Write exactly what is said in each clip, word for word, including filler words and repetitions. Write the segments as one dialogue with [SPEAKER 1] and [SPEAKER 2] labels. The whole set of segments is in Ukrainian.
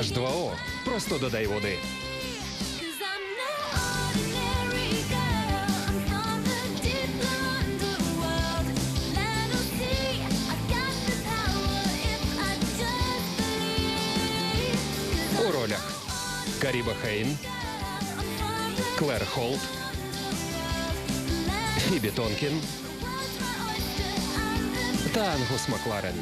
[SPEAKER 1] аш два о. Просто додай води. У ролях Каріба Хейн, Клер Холт, Фібі Тонкін та Ангус Макларен.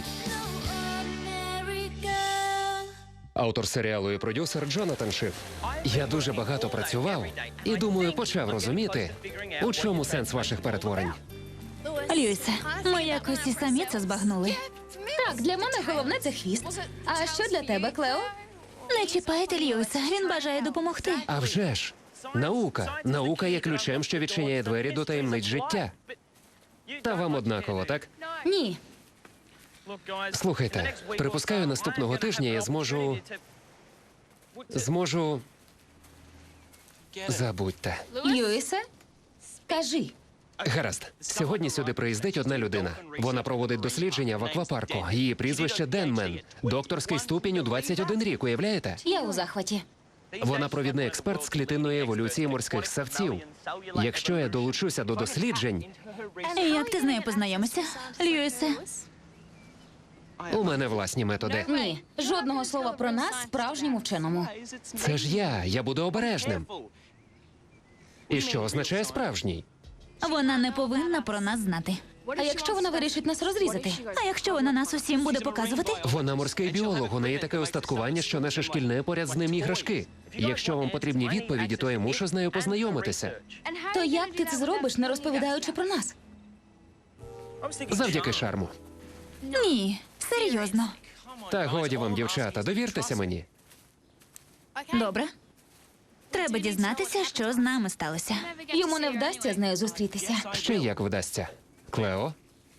[SPEAKER 1] Автор серіалу і продюсер Джонатан Шиф. Я дуже багато працював і, думаю, почав розуміти, у чому сенс ваших перетворень.
[SPEAKER 2] Льюісе, ми якось і самі це збагнули.
[SPEAKER 3] Так, для мене головне це хвіст. А що для тебе, Клео?
[SPEAKER 2] Не чіпайте Льюіса, він бажає допомогти.
[SPEAKER 1] А вже ж! Наука. Наука є ключем, що відчиняє двері до таємниць життя. Та вам однаково, так?
[SPEAKER 3] Ні.
[SPEAKER 1] Слухайте, припускаю, наступного тижня я зможу... Зможу... Забудьте.
[SPEAKER 3] Льюісе, скажи.
[SPEAKER 1] Гаразд. Сьогодні сюди приїздить одна людина. Вона проводить дослідження в аквапарку. Її прізвище Денмен. Докторський ступінь у двадцять один рік, уявляєте?
[SPEAKER 3] Я у захваті.
[SPEAKER 1] Вона провідний експерт з клітинної еволюції морських ссавців. Якщо я долучуся до досліджень,
[SPEAKER 2] Як ти з нею познайомишся, Льюісе?
[SPEAKER 1] у мене власні методи.
[SPEAKER 3] Ні. Жодного слова про нас справжньому вченому.
[SPEAKER 1] Це ж я, я буду обережним. І що означає справжній?
[SPEAKER 2] Вона не повинна про нас знати.
[SPEAKER 3] А якщо вона вирішить нас розрізати?
[SPEAKER 2] А якщо вона нас усім буде показувати?
[SPEAKER 1] Вона морський біолог, у неї таке остаткування, що наше шкільне поряд з ним іграшки. Якщо вам потрібні відповіді, то я мушу з нею познайомитися.
[SPEAKER 3] То як ти це зробиш, не розповідаючи про нас?
[SPEAKER 1] Завдяки шарму.
[SPEAKER 2] Ні, серйозно.
[SPEAKER 1] Та годі вам, дівчата, довіртеся мені.
[SPEAKER 2] Добре. Треба дізнатися, що з нами сталося.
[SPEAKER 3] Йому не вдасться з нею зустрітися.
[SPEAKER 1] Ще як вдасться. Клео?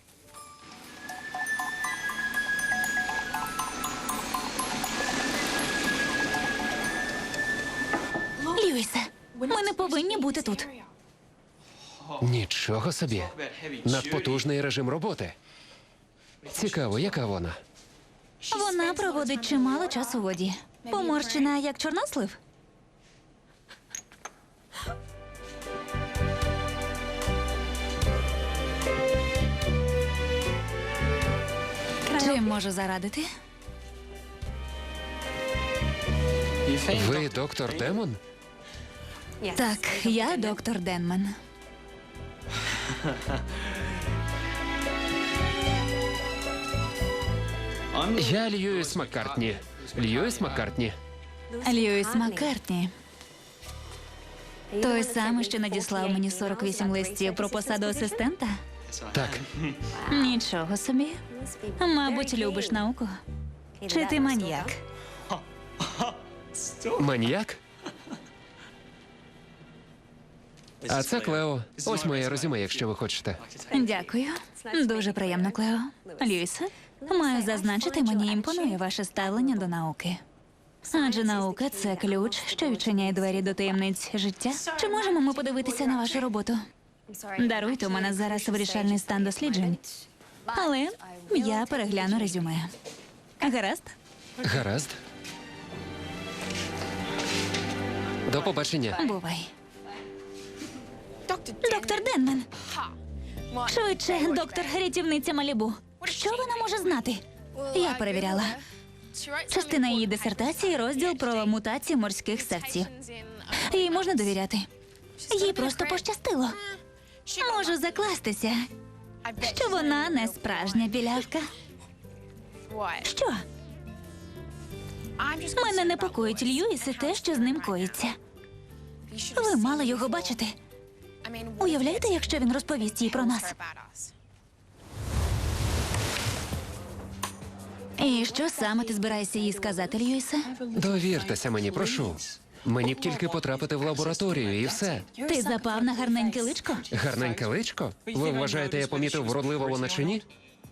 [SPEAKER 2] Льюісе, ми не повинні бути тут.
[SPEAKER 1] Нічого собі. Надпотужний режим роботи. Цікаво, яка вона?
[SPEAKER 2] Вона проводить чимало часу у воді. Поморщена, як чорнослив. Чим можу зарадити?
[SPEAKER 1] Ви доктор Демон?
[SPEAKER 2] Так, я доктор Денмен.
[SPEAKER 1] Я Льюіс Маккартні. Льюіс Маккартні.
[SPEAKER 2] Льюіс Маккартні. Той самий, що надіслав мені сорок вісім листів про посаду асистента?
[SPEAKER 1] Так,
[SPEAKER 2] Нічого собі. Мабуть, любиш науку. Чи ти маніяк?
[SPEAKER 1] маніяк? А це Клео. Ось моє резюме, якщо ви хочете.
[SPEAKER 2] Дякую. Дуже приємно, Клео. Льюісе, маю зазначити, мені імпонує ваше ставлення до науки. Адже наука – це ключ, що відчиняє двері до таємниць життя. Чи можемо ми подивитися на вашу роботу? Даруйте, у мене зараз вирішальний стан досліджень. Але я перегляну резюме. Гаразд?
[SPEAKER 1] Гаразд. До побачення.
[SPEAKER 2] Бувай. Доктор Денмен. Швидше, доктор, рятівниця Малібу. Що вона може знати? Я перевіряла. Частина її дисертації – розділ про мутації морських ссавців. Їй можна довіряти. Їй просто пощастило. Можу закластися, що вона не справжня білявка. Що? Мене непокоїть, Льюісе, те, що з ним коїться. Ви мали його бачити. Уявляєте, якщо він розповість їй про нас? І що саме ти збираєшся їй сказати, Льюісе?
[SPEAKER 1] Довіртеся мені, прошу. Мені б тільки потрапити в лабораторію і все.
[SPEAKER 2] Ти запав на гарненьке личко?
[SPEAKER 1] Гарненьке личко? Ви вважаєте, я помітив, вродлива вона чи ні?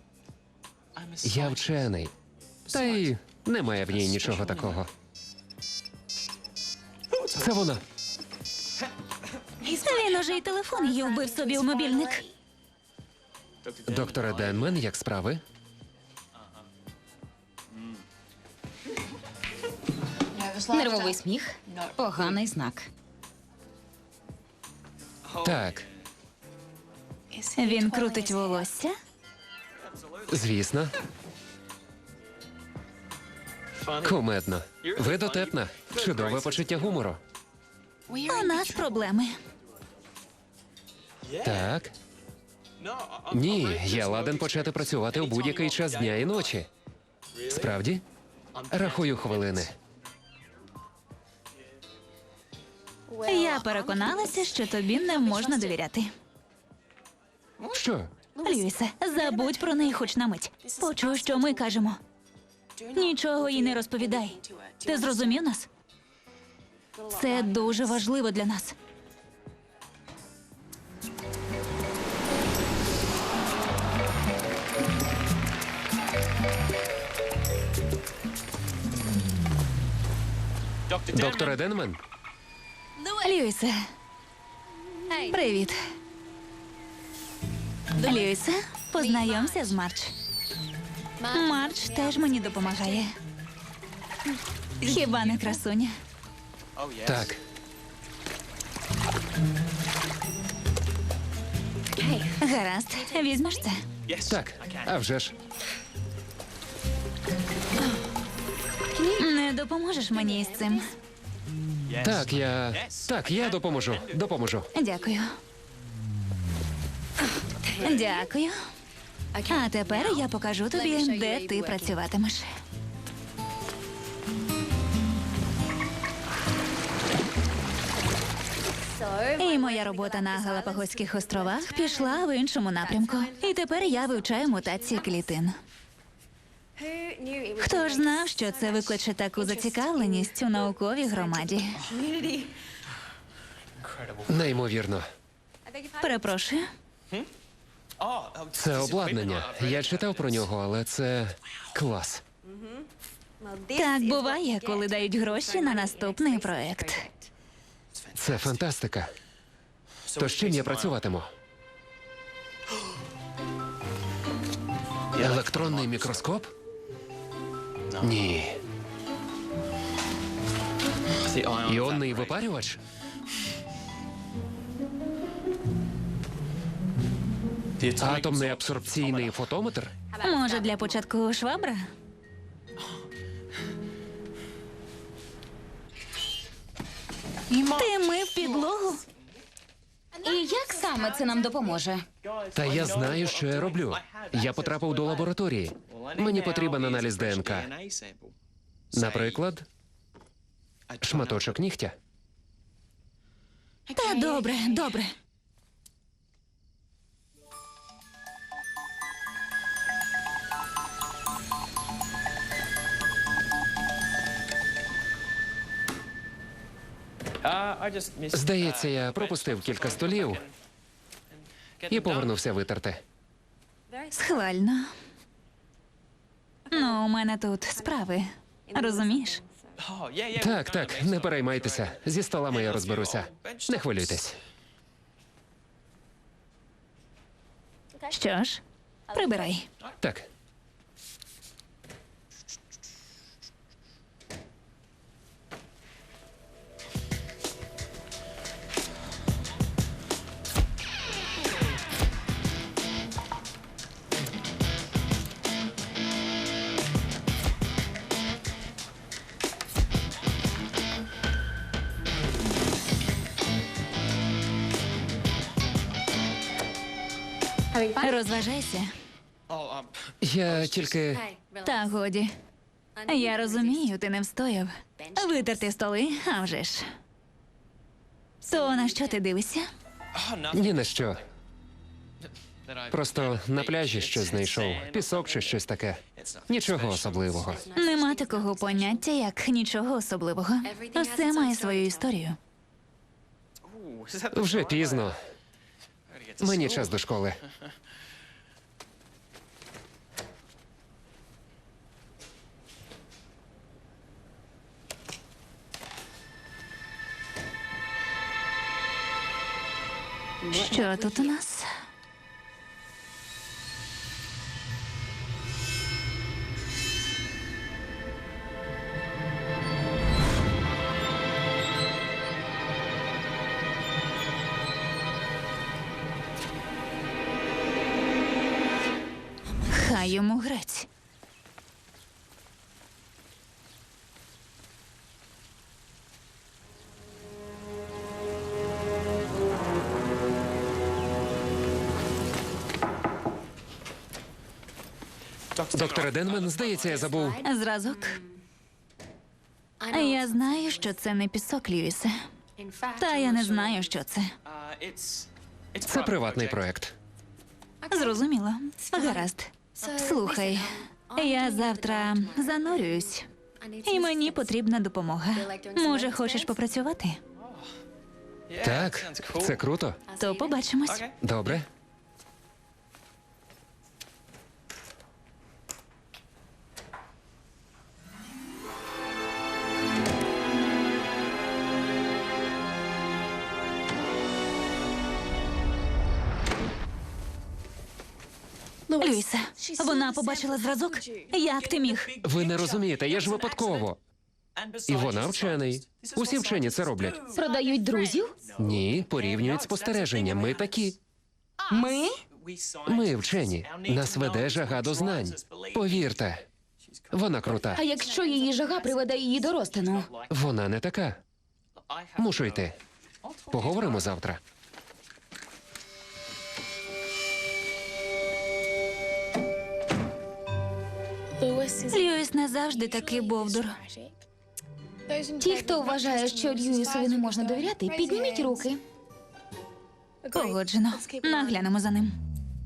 [SPEAKER 1] Я вчений. Та й немає в ній нічого такого. Це вона.
[SPEAKER 2] Він уже й телефон її вбив собі у мобільник.
[SPEAKER 1] Докторе Денмен, як справи?
[SPEAKER 3] Нервовий сміх. Поганий знак.
[SPEAKER 1] Так,
[SPEAKER 2] Він крутить волосся.
[SPEAKER 1] звісно. Кумедно. Ви дотепна. Чудове почуття гумору.
[SPEAKER 2] У нас проблеми.
[SPEAKER 1] Так. Ні, я ладен почати працювати у будь-який час дня і ночі. Справді? Рахую хвилини.
[SPEAKER 2] Я переконалася, що тобі не можна довіряти.
[SPEAKER 1] Що?
[SPEAKER 2] Льюісе, забудь про неї хоч на мить. Почуй, що ми кажемо. Нічого їй не розповідай. Ти зрозумів нас? Це дуже важливо для нас.
[SPEAKER 1] Доктор Денмен?
[SPEAKER 2] Льюісе. Привіт. Льюісе, познайомся з Марч. Марч теж мені допомагає. Хіба не красуня?
[SPEAKER 1] Так.
[SPEAKER 2] Гаразд, візьмеш це?
[SPEAKER 1] Так, а вже ж.
[SPEAKER 2] Не допоможеш мені із цим.
[SPEAKER 1] Так, я. Так, я допоможу. Допоможу.
[SPEAKER 2] Дякую. Дякую. А тепер я покажу тобі, де ти працюватимеш. І моя робота на Галапагоських островах пішла в іншому напрямку. І тепер я вивчаю мутації клітин. Хто ж знав, що це викличе таку зацікавленість у науковій громаді?
[SPEAKER 1] Неймовірно.
[SPEAKER 2] Перепрошую.
[SPEAKER 1] Це обладнання. Я читав про нього, але це клас.
[SPEAKER 2] Так буває, коли дають гроші на наступний проект.
[SPEAKER 1] Це фантастика. То з чим я працюватиму? Електронний мікроскоп? Ні. Іонний випарювач? Атомний абсорбційний фотометр?
[SPEAKER 2] Може, для початку швабра? Ти мив підлогу?
[SPEAKER 3] І як саме це нам допоможе?
[SPEAKER 1] Та я знаю, що я роблю. Я потрапив до лабораторії. Мені потрібен аналіз ДНК. Наприклад, шматочок нігтя.
[SPEAKER 2] Та добре, добре.
[SPEAKER 1] Здається, я пропустив кілька столів і повернувся витерти.
[SPEAKER 2] Схвально. Ну, у мене тут справи. Розумієш?
[SPEAKER 1] Так, так, не переймайтеся. Зі столами я розберуся. Не хвилюйтесь.
[SPEAKER 2] Що ж, прибирай.
[SPEAKER 1] Так.
[SPEAKER 2] Розважайся.
[SPEAKER 1] Я тільки.
[SPEAKER 2] Та годі. Я розумію, ти не встояв. Витерти столи, а вже ж. То на що ти дивишся?
[SPEAKER 1] Ні на що. Просто на пляжі щось знайшов. Пісок чи щось таке. Нічого особливого.
[SPEAKER 2] Нема такого поняття, як нічого особливого. Все має свою історію.
[SPEAKER 1] Вже пізно. Мені час до школи.
[SPEAKER 2] Що тут у нас? Хай йому грець.
[SPEAKER 1] Докторе Денмен, здається, я забув.
[SPEAKER 2] Зразок. Я знаю, що це не пісок, Льюісе. Та я не знаю, що це.
[SPEAKER 1] Це приватний проект.
[SPEAKER 2] Зрозуміло. Гаразд. Слухай, я завтра занурююсь, і мені потрібна допомога. Може, хочеш попрацювати?
[SPEAKER 1] Так, це круто.
[SPEAKER 2] То побачимось.
[SPEAKER 1] Добре.
[SPEAKER 2] Льюісе, вона побачила зразок? Як ти міг?
[SPEAKER 1] Ви не розумієте, я ж випадково. І вона вчений. Усі вчені це роблять.
[SPEAKER 3] Продають друзів?
[SPEAKER 1] Ні, порівнюють спостереження. Ми такі.
[SPEAKER 3] Ми?
[SPEAKER 1] Ми вчені. Нас веде жага до знань. Повірте, вона крута.
[SPEAKER 3] А якщо її жага приведе її до розтину?
[SPEAKER 1] Вона не така. Мушу йти. Поговоримо завтра.
[SPEAKER 2] Льюіс не завжди такий бовдур.
[SPEAKER 3] Ті, хто вважає, що Льюісові не можна довіряти, підніміть руки.
[SPEAKER 2] Погоджено. Наглянемо за ним.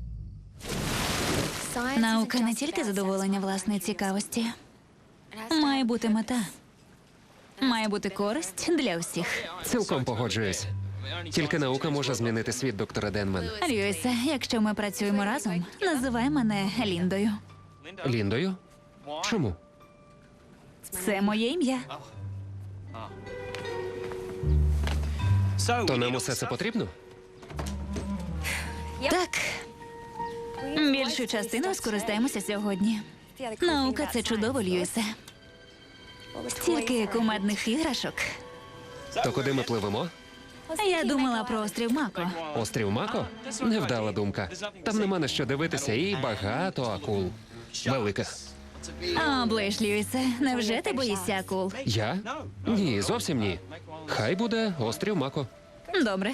[SPEAKER 2] Наука не тільки задоволення власної цікавості. Має бути мета. Має бути користь для всіх.
[SPEAKER 1] Цілком погоджуюсь. Тільки наука може змінити світ, доктора Денмен.
[SPEAKER 2] Льюісе, якщо ми працюємо разом, називай мене Ліндою.
[SPEAKER 1] Ліндою? Чому?
[SPEAKER 2] Це моє ім'я.
[SPEAKER 1] То нам усе це потрібно?
[SPEAKER 2] Так. Більшою частиною скористаємося сьогодні. Наука це чудово, Льюісе. Стільки кумедних іграшок.
[SPEAKER 1] То куди ми пливемо?
[SPEAKER 2] Я думала про острів Мако.
[SPEAKER 1] Острів Мако? Невдала думка. Там нема на що дивитися і багато акул. Великих.
[SPEAKER 2] А, Блейш, Льюісе, невже ти боїшся акул?
[SPEAKER 1] Я? Ні, зовсім ні. Хай буде острів Мако.
[SPEAKER 2] Добре.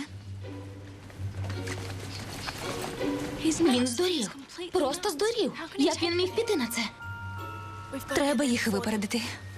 [SPEAKER 3] Він здурів. Просто здурів. Як він міг піти на це?
[SPEAKER 2] Треба їх випередити.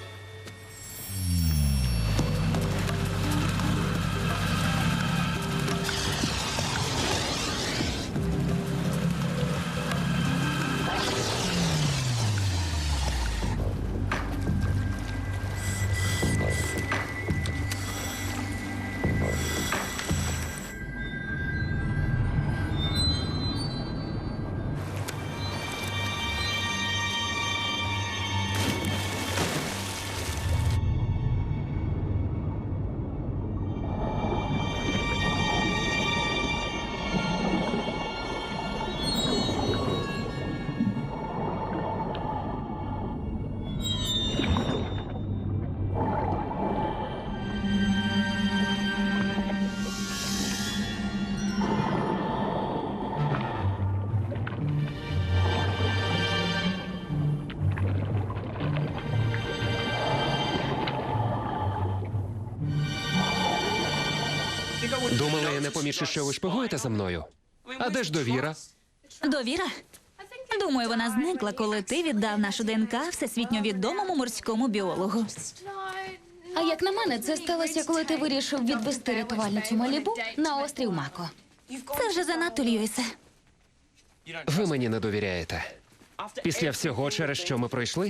[SPEAKER 1] Думала, я не помічу, що ви шпигуєте за мною. А де ж довіра?
[SPEAKER 2] Довіра? Думаю, вона зникла, коли ти віддав нашу ДНК всесвітньо відомому морському біологу.
[SPEAKER 3] А як на мене, це сталося, коли ти вирішив відвести рятувальницю Малібу на острів Мако.
[SPEAKER 2] Це вже занадто, Льюісе.
[SPEAKER 1] Ви мені не довіряєте. Після всього, через що ми пройшли,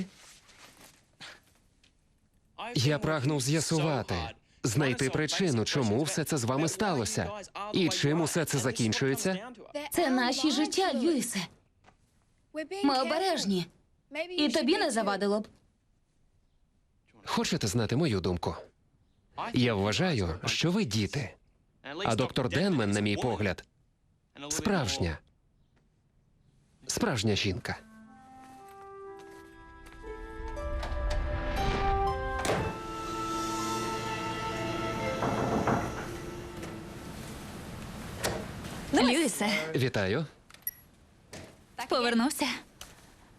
[SPEAKER 1] я прагнув з'ясувати, знайти причину, чому все це з вами сталося. І чим усе це закінчується?
[SPEAKER 3] Це наші життя, Льюісе. Ми обережні. І тобі не завадило б.
[SPEAKER 1] Хочете знати мою думку? Я вважаю, що ви діти. А доктор Денмен, на мій погляд, справжня. Справжня жінка.
[SPEAKER 2] Льюісе,
[SPEAKER 1] Вітаю.
[SPEAKER 2] повернувся.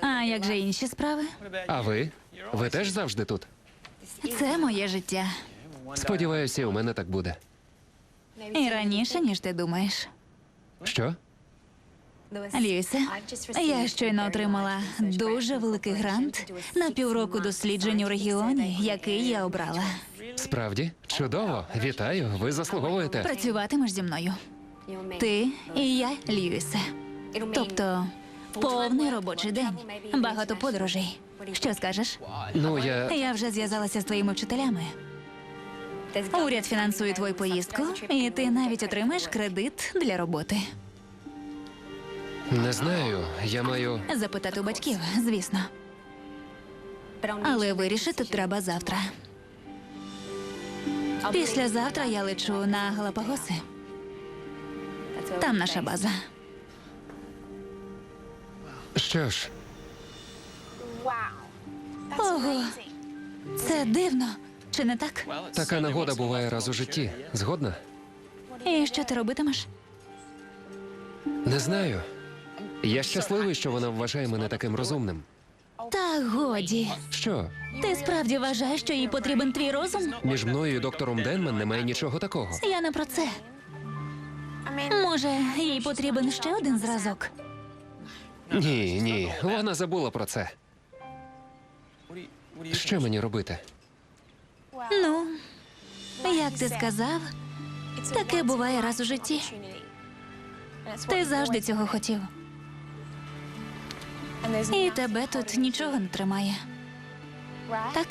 [SPEAKER 2] А як же інші справи?
[SPEAKER 1] А ви? Ви теж завжди тут?
[SPEAKER 2] Це моє життя.
[SPEAKER 1] Сподіваюся, і у мене так буде.
[SPEAKER 2] І раніше, ніж ти думаєш.
[SPEAKER 1] Що?
[SPEAKER 2] Льюісе, я щойно отримала дуже великий грант на півроку досліджень у регіоні, який я обрала.
[SPEAKER 1] Справді? Чудово. Вітаю. Ви заслуговуєте.
[SPEAKER 2] Працюватимеш зі мною. Ти і я, Льюісе. Тобто, повний робочий день, багато подорожей. Що скажеш?
[SPEAKER 1] Ну, я.
[SPEAKER 2] Я вже зв'язалася з твоїми вчителями. Уряд фінансує твою поїздку, і ти навіть отримаєш кредит для роботи.
[SPEAKER 1] Не знаю. Я маю.
[SPEAKER 2] Запитати у батьків, звісно. Але вирішити треба завтра. Післязавтра я лечу на Галапагоси. Там наша база.
[SPEAKER 1] Що ж,
[SPEAKER 2] Ого, це дивно. Чи не так?
[SPEAKER 1] така нагода буває раз у житті. Згодна?
[SPEAKER 2] І що ти робитимеш?
[SPEAKER 1] Не знаю. Я щасливий, що вона вважає мене таким розумним.
[SPEAKER 2] Та годі.
[SPEAKER 1] Що?
[SPEAKER 2] Ти справді вважаєш, що їй потрібен твій розум?
[SPEAKER 1] Між мною і доктором Денмен немає нічого такого.
[SPEAKER 2] Я не про це. Може, їй потрібен ще один зразок?
[SPEAKER 1] Ні, ні, вона забула про це. Що мені робити?
[SPEAKER 2] Ну, як ти сказав, таке буває раз у житті. Ти завжди цього хотів. І тебе тут нічого не тримає. Так?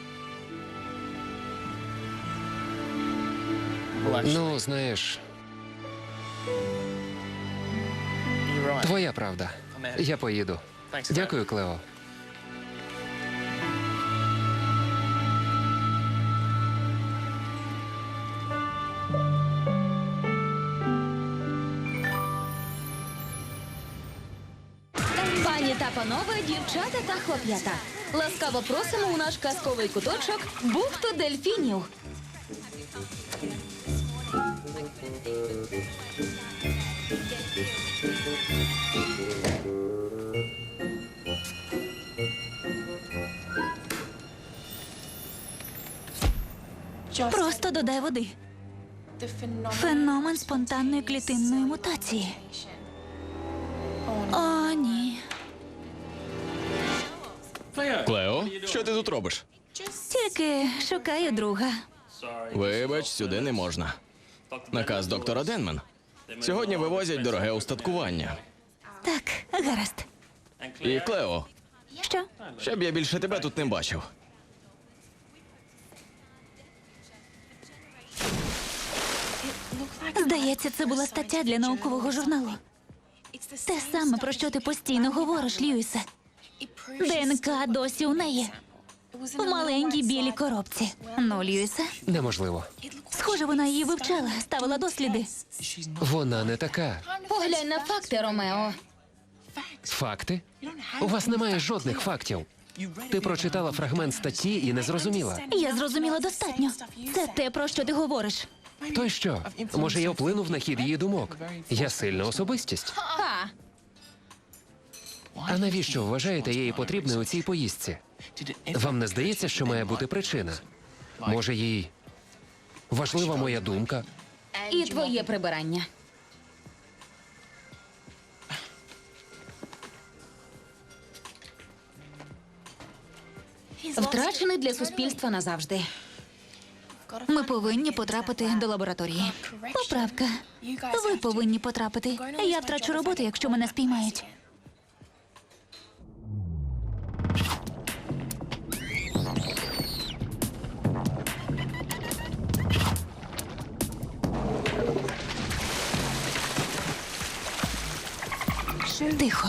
[SPEAKER 1] Ну, знаєш, твоя правда. Я поїду. Дякую, Клео.
[SPEAKER 3] Пані та панове, дівчата та хлоп'ята. Ласкаво просимо у наш казковий куточок бухту дельфінів.
[SPEAKER 2] Просто додай води. Феномен спонтанної клітинної мутації. О, ні.
[SPEAKER 4] Клео, що ти тут робиш?
[SPEAKER 2] Тільки шукаю друга.
[SPEAKER 4] Вибач, сюди не можна. Наказ доктора Денмен. Сьогодні вивозять дороге устаткування.
[SPEAKER 2] Так, гаразд.
[SPEAKER 4] І Клео,
[SPEAKER 2] Що?
[SPEAKER 4] щоб я більше тебе тут не бачив.
[SPEAKER 2] Здається, це була стаття для наукового журналу. Те саме, про що ти постійно говориш, Льюісе. ДНК досі у неї. В маленькій білій коробці. Ну, Льюісе,
[SPEAKER 1] Неможливо.
[SPEAKER 2] схоже, вона її вивчала, ставила досліди.
[SPEAKER 1] Вона не така.
[SPEAKER 3] Поглянь на факти, Ромео.
[SPEAKER 1] Факти? У вас немає жодних фактів. Ти прочитала фрагмент статті і не зрозуміла.
[SPEAKER 2] Я зрозуміла достатньо. Це те, про що ти говориш.
[SPEAKER 1] То й що? Може, я вплинув на хід її думок? Я сильна особистість.
[SPEAKER 3] Ха.
[SPEAKER 1] А навіщо вважаєте її потрібною у цій поїздці? Вам не здається, що має бути причина? Може, їй важлива моя думка?
[SPEAKER 3] І твоє прибирання. Втрачений для суспільства назавжди.
[SPEAKER 2] Ми повинні потрапити до лабораторії. Поправка. Ви повинні потрапити. Я втрачу роботу, якщо мене спіймають. Тихо.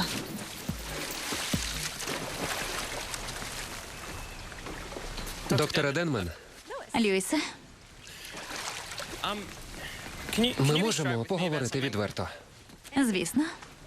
[SPEAKER 1] Доктора Денмен,
[SPEAKER 2] Льюісе,
[SPEAKER 1] ми можемо поговорити відверто.
[SPEAKER 2] звісно.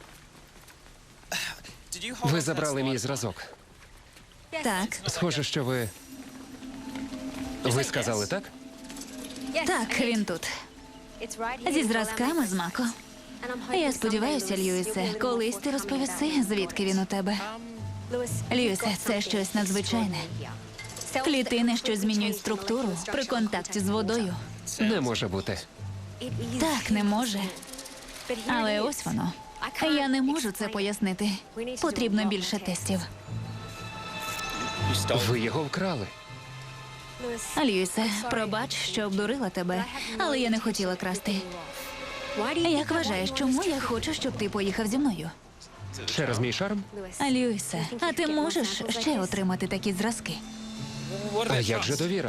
[SPEAKER 1] Ви забрали мій зразок.
[SPEAKER 2] Так,
[SPEAKER 1] Схоже, що ви. Ви сказали так?
[SPEAKER 2] так, він тут. Зі зразками з Мако. Я сподіваюся, Льюісе, колись ти розповіси, звідки він у тебе. Льюісе, це щось надзвичайне. Клітини, що змінюють структуру при контакті з водою.
[SPEAKER 1] Не може бути.
[SPEAKER 2] Так, не може. Але ось воно. Я не можу це пояснити. Потрібно більше тестів.
[SPEAKER 1] Ви його вкрали.
[SPEAKER 2] Льюісе, пробач, що обдурила тебе, але я не хотіла красти. Як вважаєш, чому я хочу, щоб ти поїхав зі мною?
[SPEAKER 1] Через мій шарм?
[SPEAKER 2] Льюісе, а ти можеш ще отримати такі зразки?
[SPEAKER 1] А як же довіра?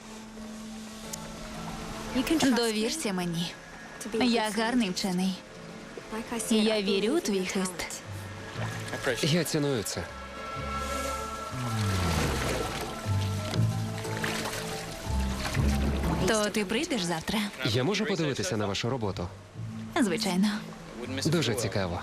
[SPEAKER 2] Довірся мені. Я гарний вчений. І я вірю у твій хист.
[SPEAKER 1] Я ціную це.
[SPEAKER 2] То ти прийдеш завтра?
[SPEAKER 1] Я можу подивитися на вашу роботу?
[SPEAKER 2] Звичайно.
[SPEAKER 1] Дуже цікаво.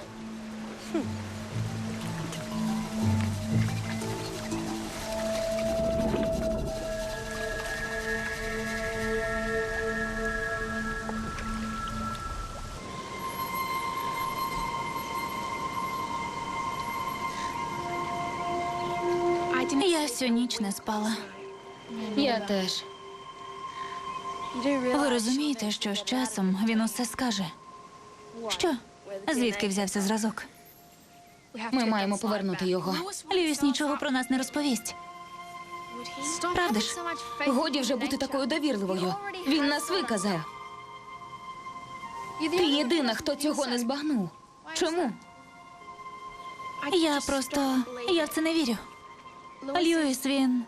[SPEAKER 2] Я всю ніч не спала.
[SPEAKER 3] Я теж.
[SPEAKER 2] Ви розумієте, що з часом він усе скаже? Що? Звідки взявся зразок?
[SPEAKER 3] Ми маємо повернути його.
[SPEAKER 2] Льюіс нічого про нас не розповість. Правда ж?
[SPEAKER 3] Годі вже бути такою довірливою. Він нас виказав. Ти єдина, хто цього не збагнув. Чому?
[SPEAKER 2] Я просто. Я в це не вірю. Льюіс, він.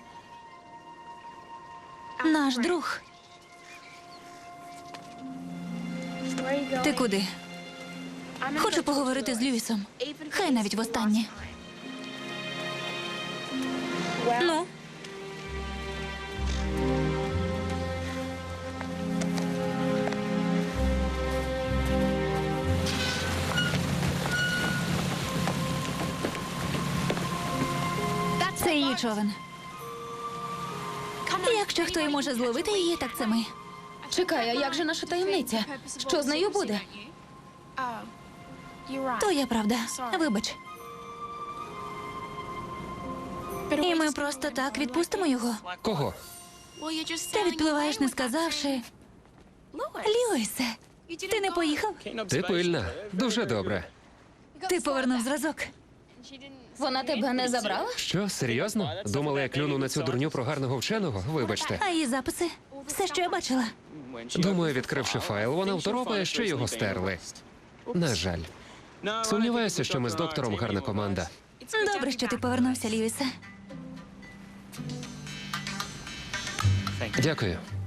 [SPEAKER 2] Наш друг. Ти куди? Хочу поговорити з Льюісом. Хай навіть востаннє. Ну? Це її човен. Якщо хто і може зловити її, так це ми.
[SPEAKER 3] Чекай, а як же наша таємниця? Що з нею буде?
[SPEAKER 2] То є правда. Вибач. І ми просто так відпустимо його.
[SPEAKER 1] Кого?
[SPEAKER 2] Ти відпливаєш, не сказавши. Льюісе, ти не поїхав?
[SPEAKER 1] Ти пильна. Дуже добре.
[SPEAKER 2] Ти повернув зразок.
[SPEAKER 3] Вона тебе не забрала?
[SPEAKER 1] Що, серйозно? Думали, я клюну на цю дурню про гарного вченого? Вибачте.
[SPEAKER 2] А її записи? Все, що я бачила.
[SPEAKER 1] Думаю, відкривши файл, вона второпає, що його стерли. На жаль. Сумніваюся, що ми з доктором гарна команда.
[SPEAKER 2] Добре, що ти повернувся, Льюісе.
[SPEAKER 1] Дякую.